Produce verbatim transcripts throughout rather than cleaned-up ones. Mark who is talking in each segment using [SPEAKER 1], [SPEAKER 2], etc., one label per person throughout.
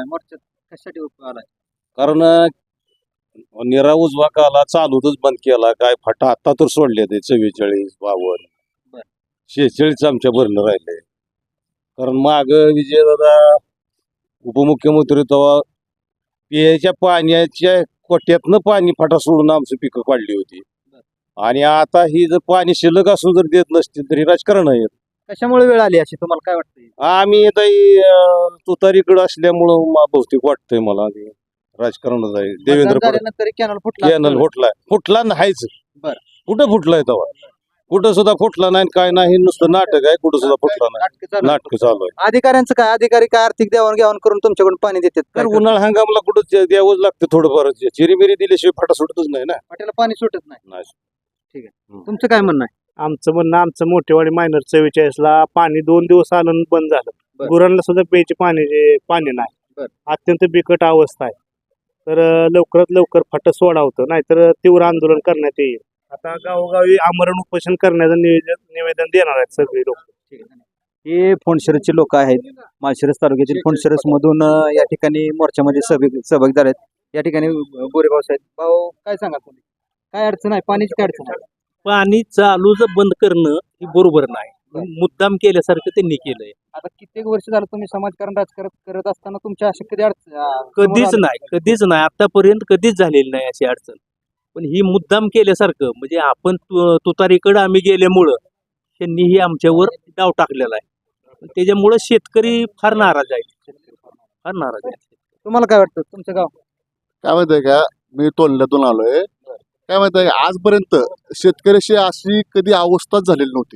[SPEAKER 1] आलाय मोर्चात कशासाठी उभा आलाय?
[SPEAKER 2] कारण निरा उजवा काला चालूतच बंद केला. काय फाटा आता तर सोडले ते चव्वेचाळीस बावन्न
[SPEAKER 1] बर.
[SPEAKER 2] शेहेचाळीस आमच्या भरणं राहिले. कारण माग विजयदादा उपमुख्यमंत्री तेव्हा पियाच्या पाण्याच्या कोट्यातनं पाणी फाटा सोडून आमची पिकं काढली होती. आणि आता ही जर पाणी शिल्लक असून जर देत नसतील तरी राजकारण आहे.
[SPEAKER 1] कशामुळे वेळ आली अशी तुम्हाला काय वाटतंय?
[SPEAKER 2] आम्ही आता तुतारीकडे असल्यामुळं मा- बहुतेक वाटतंय मला ते राजकारणच आहे. देवेंद्र
[SPEAKER 1] मतदान
[SPEAKER 2] फडणवीस
[SPEAKER 1] झाल्यानंतर कॅनल फुटला
[SPEAKER 2] कॅनल फुटलाय फुटला नाहीच.
[SPEAKER 1] बर.
[SPEAKER 2] कुठं फुटलाय तेव्हा? कुठं सुद्धा फुटला नाही काय नाही, नुसतं नाटक आहे. कुठं सुद्धा फुटला नाही.
[SPEAKER 1] नाटकं चालू आहेत.
[SPEAKER 2] नाटक चालू आहे.
[SPEAKER 1] अधिकाऱ्यांचं काय? अधिकारी काय आर्थिक देवाणघेवाण करून तुमच्याकडून पाणी देतात
[SPEAKER 2] तर
[SPEAKER 1] काय?
[SPEAKER 2] उन्हाळा हंगामला कुठं ते द्यावंच लागतं थोडंफार. चिरीमिरी दिल्याशिवाय फाटा सुटतच नाही ना.
[SPEAKER 1] पाट्याला पाणी सुटत नाही.
[SPEAKER 2] नाही.
[SPEAKER 1] तुमचं काय म्हणणं आहे?
[SPEAKER 3] आमचं म्हणणं आमचं मोठेवाडी मायनर चव्वेचाळीस ला पाणी दोन दिवस आलं आणि बंद झालं.
[SPEAKER 1] बर.
[SPEAKER 3] गुरांना सुद्धा प्यायचे पाणी पाणी
[SPEAKER 1] बर.
[SPEAKER 3] नाही. अत्यंत बिकट अवस्था आहे. तर अं, लवकरात लवकर फाटं सोडावतं, नाहीतर तीव्र आंदोलन करण्यात येईल. आता गावोगावी आमरण उपोषण करण्याचं निवेदन निवेदन देणार आहेत सगळे लोक.
[SPEAKER 1] हे फोंडशिरसचे लोक आहेत. माळशिरस तालुक्यातील फोंडशिरस मधून या ठिकाणी मोर्चामध्ये सहभागी सहभागी झाले आहेत. या ठिकाणी बोरेगाव साहेब भाऊ काय सांगा तुम्ही? काय अडचण आहे? पाण्याची काय अडचण आहे?
[SPEAKER 4] पाणी चालू जर बंद करणं हे बरोबर नाही. मुद्दाम केल्यासारखं त्यांनी केलंय.
[SPEAKER 1] आता कित्येक वर्ष झालं तुम्ही समाजकारण राजकारण करत असताना तुमच्या अशी कधी अडचण अं,
[SPEAKER 4] कधीच
[SPEAKER 1] समोर
[SPEAKER 4] नाही कधीच नाही आतापर्यंत कधीच झालेली नाही अशी अडचण. पण ही मुद्दाम केल्यासारखं म्हणजे आपण तु- तुतारीकडे आम्ही गेल्यामुळं त्यांनी ही आमच्यावर डाव टाकलेला आहे. त्याच्यामुळं शेतकरी फार नाराज आहेत. फार नाराज आहेत.
[SPEAKER 1] तुम्हाला काय वाटतं? तुमचं गाव
[SPEAKER 5] काय माहितीये का, मी तोंडल्यातून आलोय. काय माहितीये का, आजपर्यंत शेतकऱ्याशी अशी कधी अवस्थाच झालेली नव्हती.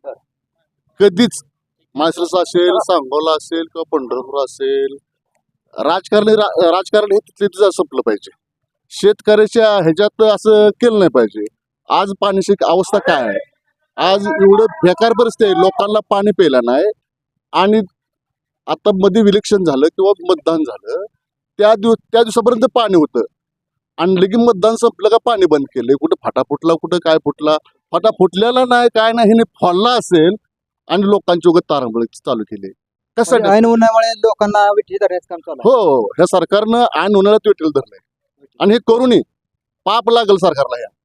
[SPEAKER 5] कधीच माळशिरस असेल, सांगोला असेल किंवा पंढरपूर असेल, राजकारण रा- राजकारण हे तिथले तिथं संपलं पाहिजे. शेतकऱ्याच्या ह्याच्यात असं केलं नाही पाहिजे. आज पाण्याची अवस्था काय आहे? आज एवढं बेकार परिस्थिती आहे, लोकांना पाणी प्यायला नाही. आणि आता मध्ये विलेक्शन झालं किंवा मतदान झालं, त्या दिवस त्या दिवसापर्यंत पाणी होतं आणि लगेच मतदान संपलं का पाणी बंद केले. कुठं फाटा फुटला, कुठं काय फुटला, फाटा फुटलेला नाही काय नाही, हिने फोडला असेल आणि लोकांची उगत तारांबळ चालू केली. कशासाठी?
[SPEAKER 1] म्हणजे ऐन उन्हामुळे लोकांना विठी धरण्याचं काम चालू आहे.
[SPEAKER 5] हो, ह्या सरकारनं ऐन उन्हाळ्यात वेटेल धरलंय आणि हे करूनही पाप लागल सरकारला. ह्या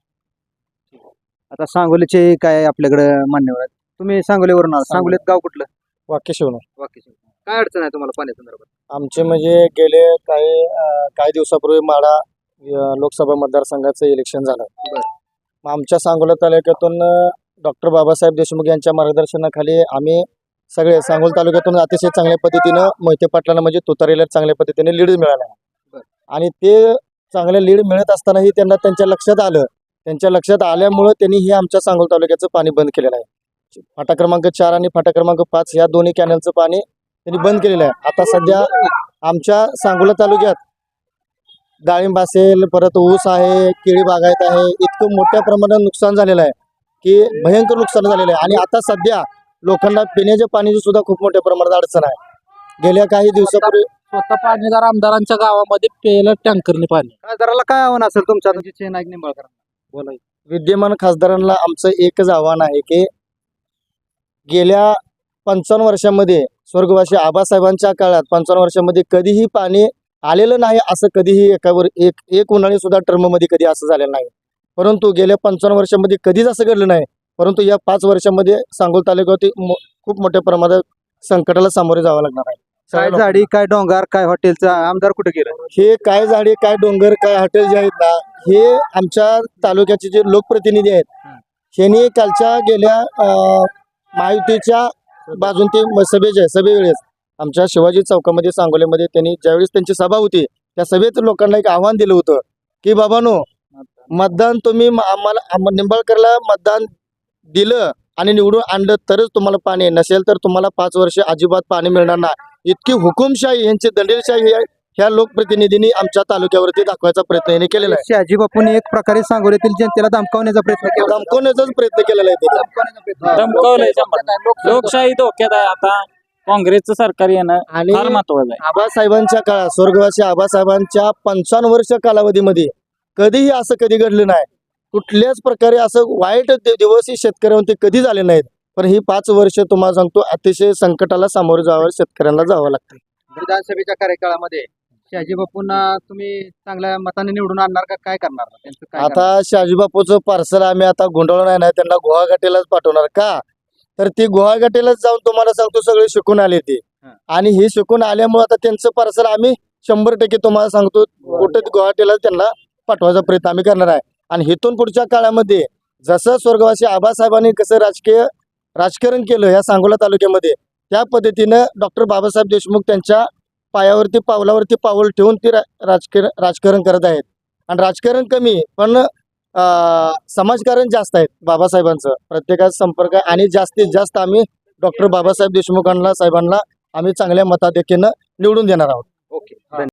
[SPEAKER 1] आता सांगोलीचे काय आपल्याकडे मान्यवर आहेत. तुम्ही सांगोलीवरून आला. सांगोलीत गाव कुठलं?
[SPEAKER 3] वाक्य शिवणार
[SPEAKER 1] वाकी. काय अडचण आहे तुम्हाला पाण्या संदर्भात?
[SPEAKER 3] आमचे म्हणजे गेले काही अं, काही दिवसापूर्वी माडा अं, लोकसभा मतदारसंघाचं इलेक्शन झालं. मग आमच्या सांगोला तालुक्यातून डॉक्टर बाबासाहेब देशमुख यांच्या मार्गदर्शनाखाली आम्ही सगळे सांगोल तालुक्यातून अतिशय चांगल्या पद्धतीनं मोहिते पाटलांना म्हणजे तुतारीला चांगल्या पद्धतीने लीड मिळाला. आणि ते चांगले लीड मिळत असतानाही त्यांना त्यांच्या लक्षात आलं. त्यांच्या लक्षात आल्यामुळं त्यांनी हे आमच्या सांगोल तालुक्याचं पाणी बंद केलेलं आहे. फाटा क्रमांक चार आणि फाटा क्रमांक पाच या दोन्ही कॅनलचं पाणी त्यांनी बंद केलेलं आहे. आता सध्या आमच्या सांगोला तालुक्यात डाळिंब असेल, परत ऊस आहे, केळी बागायत आहे, इतकं मोठ्या प्रमाणात नुकसान झालेलं आहे की भयंकर नुकसान झालेलं आहे. आणि आता सध्या लोकांना पिण्याच्या पाण्याची सुद्धा खूप मोठ्या प्रमाणात अडचण आहे. गेल्या काही दिवसापूर्वी
[SPEAKER 4] स्वतः पाणीदार आमदारांच्या गावामध्ये प्यायला टँकरने पाणी.
[SPEAKER 1] खासदाराला काय आव्हान असेल तुमच्या तुमची नाईक निंबाळकर बोला.
[SPEAKER 3] विद्यमान खासदारांना आमचं एकच आव्हान आहे की गेल्या पंचावन्न वर्षामध्ये स्वर्गवासी आबासाहेबांच्या काळात पंचावन्न वर्षामध्ये कधीही पाणी आलेलं नाही. असं कधीही एकावर एक एक उन्हाळी सुद्धा टर्ममध्ये कधी असं झालेलं नाही. परंतु गेल्या पंचावन्न वर्षामध्ये कधीच असं घडलं नाही. परंतु या पाच वर्षामध्ये सांगोल तालुक्यात मो- खूप मोठ्या प्रमाणात संकटाला सामोरे जावं लागणार आहे.
[SPEAKER 1] काय झाडी, काय डोंगर, काय हॉटेलचा आमदार कुठे गेला?
[SPEAKER 3] हे काय झाडे, काय डोंगर, काय हॉटेल जे आहेत ना, हे आमच्या तालुक्याचे जे लोकप्रतिनिधी आहेत यांनी कालच्या गेल्या अं, महायुतीच्या बाजून ते म- सभेचे सभेवेळेस आमच्या शिवाजी चौकामध्ये सांगोलीमध्ये त्यांनी ज्यावेळेस त्यांची सभा होती त्या सभेत लोकांना एक आव्हान दिलं होतं की बाबांनो, मतदान तुम्ही म- आम्हाला आम- निंबाळकरला मतदान दिलं आणि निवडून आणलं तरच तुम्हाला पाणी, नसेल तर तुम्हाला पाच वर्ष अजिबात पाणी मिळणार नाही. इतकी हुकुमशाही यांची दंडेलशाही ह्या- ह्या लोकप्रतिनिधींनी आमच्या तालुक्यावरती दाखवायचा प्रयत्न यांनी केलेला आहे.
[SPEAKER 1] शहाजी बापूंनी एक प्रकारे सांगोलीतील जनतेला धमकावण्याचा प्रयत्न केला.
[SPEAKER 3] धमकवण्याचाच प्रयत्न केलेला आहे त्यांनी.
[SPEAKER 1] धमकावण्याचा प्रयत्न.
[SPEAKER 6] धमकावलंय शंभर. लोकशाही धोक्यात आहे. आता काँग्रेसचं सरकार येणं
[SPEAKER 3] आणि
[SPEAKER 6] फार महत्वाचं आहे.
[SPEAKER 3] आबासाहेबांच्या काळात स्वर्गवासी आबासाहेबांच्या पंचावन्न वर्ष कालावधीमध्ये कधीही असं कधी घडलं नाही. कुठल्याच प्रकारे असं वाईट दि- दिवस ही शेतकऱ्यांवरती कधी झाले नाहीत. पण ही पाच वर्ष तुम्हाला सांगतो अतिशय संकटाला सामोरे जावं शेतकऱ्यांना जावं लागतं.
[SPEAKER 1] विधानसभेच्या कार्यकाळामध्ये शहाजी बापूंना तुम्ही चांगल्या मताने निवडून आणणार का काय करणार त्यांचं काय करणार?
[SPEAKER 3] आता शहाजीबापूचं पार्सल आम्ही आता गुंडवलं नाही त्यांना गुहाघाटीलाच पाठवणार का तर ती गुहाघाटीलाच जाऊन तुम्हाला सांगतो सगळे शिकून आले ते
[SPEAKER 1] हा.
[SPEAKER 3] आणि हे शिकून आल्यामुळे आता त्यांचं पार्सल आम्ही शंभर टक्के तुम्हाला सांगतो कुठं गुवाहाटीला त्यांना पाठवायचा प्रयत्न आम्ही करणार आहे आणि इथून पुढच्या काळामध्ये जसं स्वर्गवासी आबासाहेबांनी कसं राजकीय राजकारण केलं या सांगोला तालुक्यामध्ये त्या पद्धतीनं डॉक्टर बाबासाहेब देशमुख त्यांच्या पायावरती पावलावरती पाऊल ठेवून ते रा- राजकीय राजकारण करत आहेत आणि राजकारण कमी पण अं, समाजकारण जास्त आहेत बाबासाहेबांचं प्रत्येकाचा संपर्क आहे आणि जास्तीत जास्त आम्ही डॉक्टर बाबासाहेब देशमुखांना साहेबांना आम्ही चांगल्या मताधिक्यानं निवडून देणार आहोत.
[SPEAKER 1] ओके